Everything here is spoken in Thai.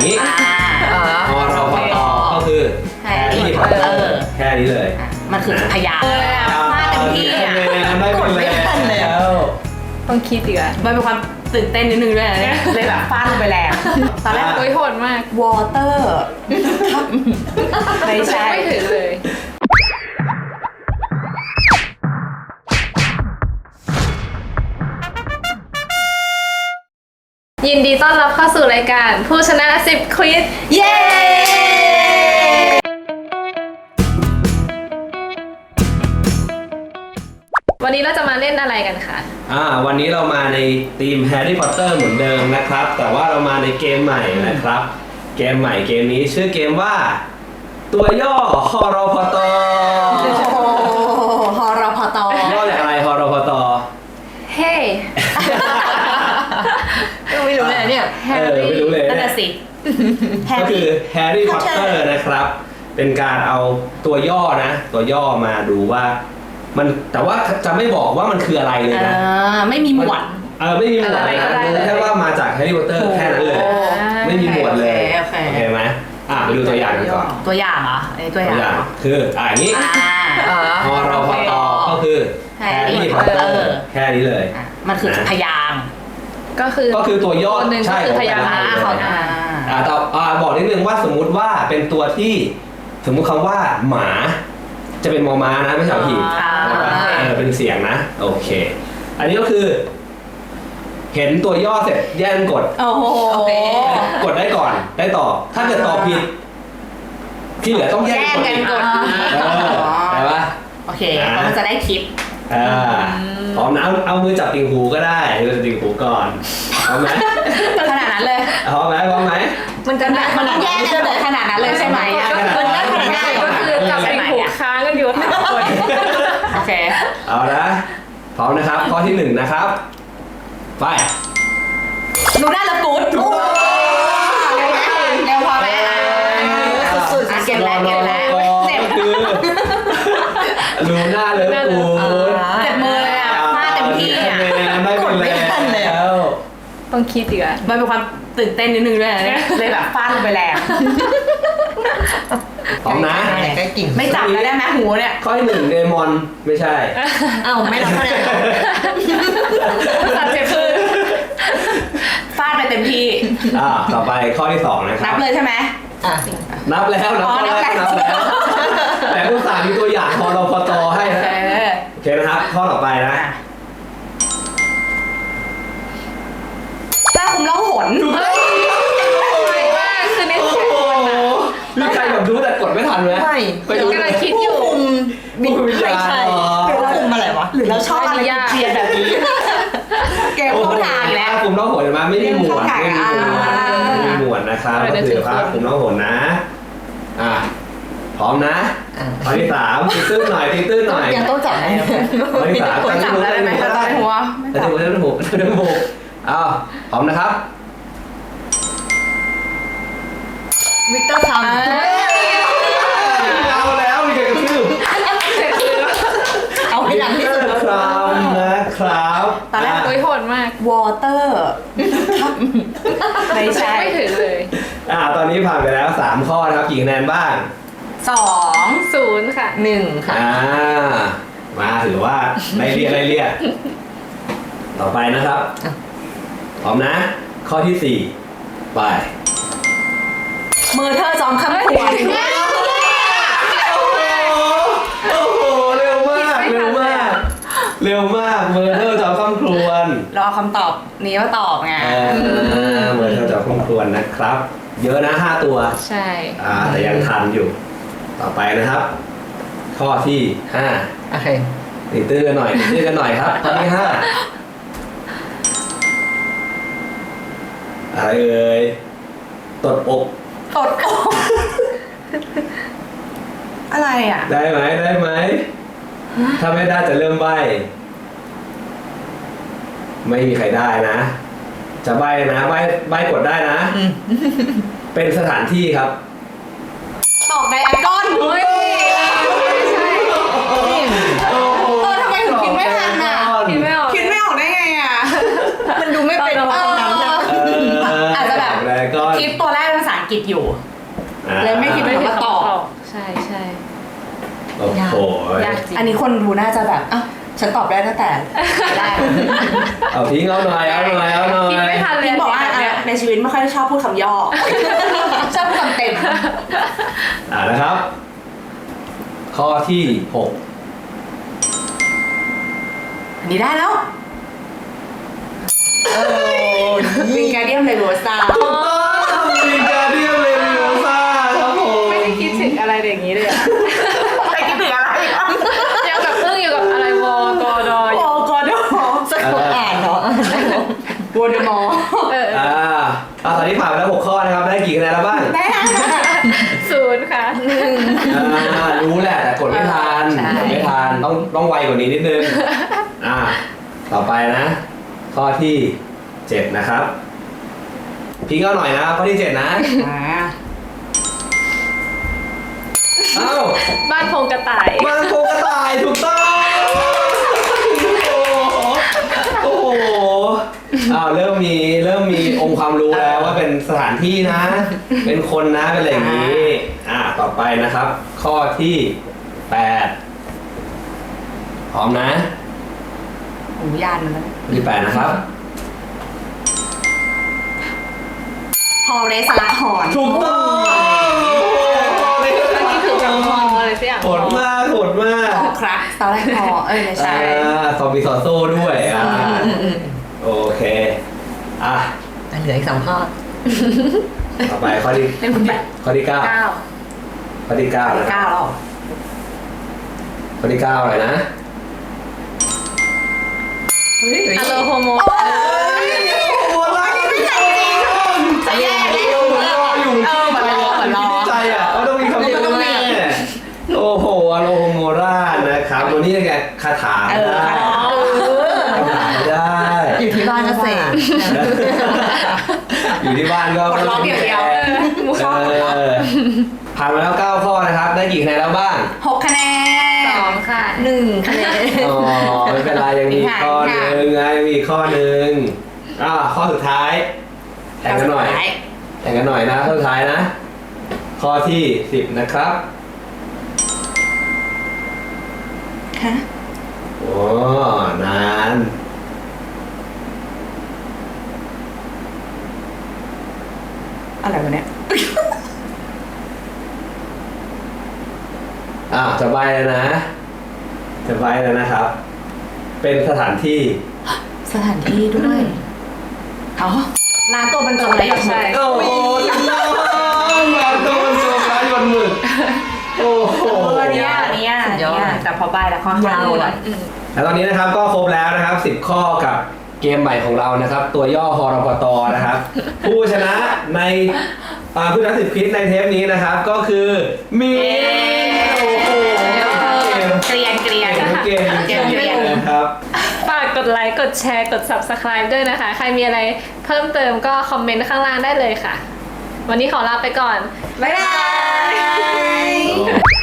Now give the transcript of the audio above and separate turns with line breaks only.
นี้พอเราพอตอก็คือแฮร์รี่พอตเตอร์แค่นี้เลย
มันคือพยางค์ฟาดเต็มที่อ่ะกดไม่ทันแล้ว
ต้องคิดอีกอ่ะ
มันเป็นความตื่นเต้นนิดนึงด้วยนะเนี่ยเลยแบบฟาดลงไปแรงตอนแรก
โหดมาก
water ไม่ใช่
ไม่ถึงเลยยินดีต้อนรับเข้าสู่รายการผู้ชนะ10ควิซ
เย้
วันนี้เราจะมาเล่นอะไรกันคะ
วันนี้เรามาในทีมแฮร์รี่พอตเตอร์เหมือนเดิมนะครับแต่ว่าเรามาในเกมใหม่นะครับเกมใหม่เกมนี้ชื่อเกมว่าตัวย่อฮอรพต
ฮอรพต
ย่อจากอะไรฮอรพต
เฮ้
ไม่รู้เลยเนี่ย
ไม่รู้เลย
นั่นแหละสิ
ก็คือแฮร์รี่พอตเตอร์นะครับเป็นการเอาตัวย่อนะตัวย่อมาดูว่ามันแต่ว่าจะไม่บอกว่ามันคืออะไรเลยนะ
ไม่มีหมวด
ไม่มีหมวดนะแค่ว่ามาจากแฮร์รี่พอตเตอร์แค่นั้นเลยไม่มีหมวดเลยโอเคไหมไปดูตัวอย่างกันก่อน
ตัวอย่างเหรอตัวอย่าง
คืออย่างนี้พอเราพอตอก็คือแฮร์รี่พอตเตอร์แค่นี้เลย
มันคือพยางค์
ก็คือ
ตัวย่อใช่
พยางค์
บอกนิดนึงว่าสมมุติว่าเป็นตัวที่สมมุติคำว่าหมาจะเป็นมอม้านะไม่ใช่หีบเป็นเสียงนะโอเคอันนี้ก็คือเห็นตัวย่อเสร็จแย่งกดกดได้ก่อนได้ต่อถ้าเกิดตอบผิดที่เหลือต้องแย่งกดได้ปะ
โอเคเราจะได้คลิป
พร้อมนะเอามือจับติ่งหูก็ได้มือจับติ่งหูก่อนพร้อมไหม
ขนาดนั้นเลย
พร้อมไหม
มันต้องแย่กันเลยขนาดนั้นเลยใช่ไหม
มันก็ขนาดนั้นก็คือจับติ่งหูค้างกันอยู่ทั้งคน
โอเค
เอานะพร้อมนะครับข้อที่1นะครับไป
ดูได้ละกู๊ดเร็วพอไหมสุดๆเก็บแล้วเจ็บ
ดูหน้าเลยกู
เจ็บมือเลยอ่ะฟาดเต็มที่อ่ะ
กดไม่ทันแล้ว
ต้องคิดอีกอ่ะ
มันเป็นความตื่นเต้นนิดนึงด้วยนะเนี่ยเลยแบบฟาดลงไปแรง
พร้อมนะ
ไม่จับแล้วได้ไหมหูเนี่ย
ข้อที่1เดมอนไม่ใช่
ไม่รับคะแนน
สัตว์เจ็บมือ
ฟาดไปเต็มที่
ต่อไปข้อที่2นะครับ
นับเลยใช่ไหม
นับแล้วแต่ผู้สามีตัวอย่างพอเราพอตอให้นะโอเคนะครับข้อต่อไปนะ
ถ้าคุณร้องหน
มีใครแบบรู้แต่กดไม่ทันไหม
ไม่กำลังคิดอยู่
ไม่ใช่
หรือเราคุมอะไรวะหรือเราชอบอะไรเพียนแบบนี้เกมเข้าทางแล้ว
คุมน้องหนมาไม่มีหมวดไม่มีหมวดนะครับก็คือว่าคุมน้องหนนะพร้อมนะข้อที่3ตีตื้นหน่อย
ยังต้องจับไหม
ข้อที่3
จับได้ไหมจับหัว
จับหัวพร้อมนะครับ
วิกเตอร์ทำ
เอาแล้วมีการกระทืบ
เอาให้ดังที่สุด
นะครับ
ตอนแรกโหดมาก
water ไม่ใช่
ไม่ถึงเลย
ตอนนี้ผ่านไปแล้ว3ข้อนะครับกี่คะแนนบ้าง
2-0ค่ะ
1ค่ะ
มาถือว่าไล่เรียต่อไปนะครับพร้อมนะข้อที่4ไป
เมอร์เธอร์จอมคำขวัญ
โอ้โหเร็วมากเมอร์เธอร์จอมคำครวญ
รอคำตอบนี้ว่าตอบไง
เมอร์เธอร์จอมคำครวญนะครับเยอะนะ5ตัว
ใช่
แต่ยังทันอยู่ต่อไปนะครับข้อที่5
โอเค
ตีตื้อกันหน่อยครับข้อที่5อะไรเอ่ยตดอก
อะไรอ่ะ
ได้ไหมถ้าไม่ได้จะเริ่มใบ้ไม่มีใครได้นะจะใบ้นะใบ้กดได้นะเป็นสถานที่ครับ
ตอกไดอาก้อน
ไม่ใช่
ทำไมถึงคิดไม่ทันอ่ะคิดไม่ออกได้ไงอ่ะมันดูไม่เป็นอาจจะแบบคิดตัวแรกเป็นาอังกฤษอยู่
อ่า
เลยไม่คิด
ไม่
ว่า
ได้
ตอบ
ใช่ใช่
โอ้โห
ยากจริง
อันนี้คนดูน่าจะแบบอ้าวฉันตอบได้ตั้งแต่แรก
เอาทิ้งเอาหน่อยเอาหน่อยเอาหน่อย
คิดไม่ทันเลย
พี่บอกว่า
เนี่ย
ในชีวิตไม่ค่อยชอบพูดคำย่อ ชอบพูดคำเต็ม
นะครับ ข้อที่6
อันนี้ได้แล้ววิงการเดียมเลโรซา
ถูกต้องวิงการเดียมเลวิโอซ่าครับผม
ไม่ได้คิดถึงอะไรอย่างนี้เลยอะ
ไปคิดถึงอะไร
ยังแบบอึ้งอยู่กับอะไรวกอดออ
โอ้
ยู่
กอดสะกดอ่านเนาะวอร์ดมอร์
เออ
ตอนนี้ผ่านไปแล้ว6ข้อนะครับ ได้กี่คะแนนแล้วบ้าง
ได้แล้ว
0 ค่ะ
รู้แหละแต่กดไม่ทัน
ใช่
กดไม่ทันต้องไวกว่านี้นิดนึง ต่อไปนะ ข้อที่ 7 นะครับพี่ก็หน่อยนะข้อที่ 7 นะ เอ้า
บ้านโครงกระต่าย
บางโคกระต่ายถูกต้องโอ้โหเริ่มมีองค์ความรู้แล้วว่าเป็นสถานที่นะ เป็นคนนะเป็นอะไรอย่างนี้ ต่อไปนะครับ ข้อที่ 8 พร้อมนะ
หูยานมันแล้ว
ข้อที่ 8 นะครับ
ฮอเรสละหอน
ถูกต้อง
อันนี้ถือแบบมออะไรสักอย่าง
โหดมากโหดมาก
ฮอครักตอนแรกฮอไม่ใช่
ซอมบี้ซอโซ่ด้วยโอเค
เหลืออีก2 ข้อ
ต่อไปข้อที่
เป็นคุณแบบ
ข้อที่ 9
9
ข้อที่ 9 นะค
9
รับ
แล้ว
ข้อที่ 9อะไรนะ
อะโลโฮโม
โอ้ยไม่ใช่จริงจะแย่แล้วเหมือนรออยู่ใจอ่ะต้องมีคำพูดแม่โอ้โหอโลโฮโมรานะครับวันนี้ไงคาถาได้คาถาได้
อยู่ที่บ้านก็เสก
อยู่ที่บ้านก็
กดล็อกอย่างเดียว
ผ่านมาแล้ว9ข้อนะครับ ได้กี่คะแนนแล้วบ้าง
6 คะแนน
2 ค่ะ
1 คะแนน
อ๋อไม่เป็นไรยังมีข้อหนึ่งไงมีข้อหนึ่งข้อสุดท้ายแข่งกันหน่อยแข่งกันหน่อยนะข้อสุดท้ายนะ ข้อที่10นะครับ
ฮะ
โอ้นาน
อะไรวะเนี่ย
จะใบแล้วนะจะใบแล้วนะครับ เป็นสถานที่
สถานที่ด้วยอ๋อร้านตัวบรรจงไรหยดหมึก
โอ้โหถูกต้องมาโดนโจมร้ายหยดหมึกโอ้โห
อันเนี้ยแต่พอใบแล้วค่อนข้างเลย
แล้วตอนนี้นะครับก็ครบแล้วนะครับ10 ข้อกับเกมใหม่ของเรานะครับ ตัวย่อฮรพตนะครับ ผู้ชนะในผู้ชนะ10 คลิปในเทปนี้นะครับ ก็คือมีโอ้โห
เกลียน
เกมนะครับ
ฝากกดไลค์ กดแชร์ กด Subscribe ด้วยนะคะ ใครมีอะไรเพิ่มเติมก็คอมเมนต์ข้างล่างได้เลยค่ะ วันนี้ขอลาไปก่อน
บ๊ายบาย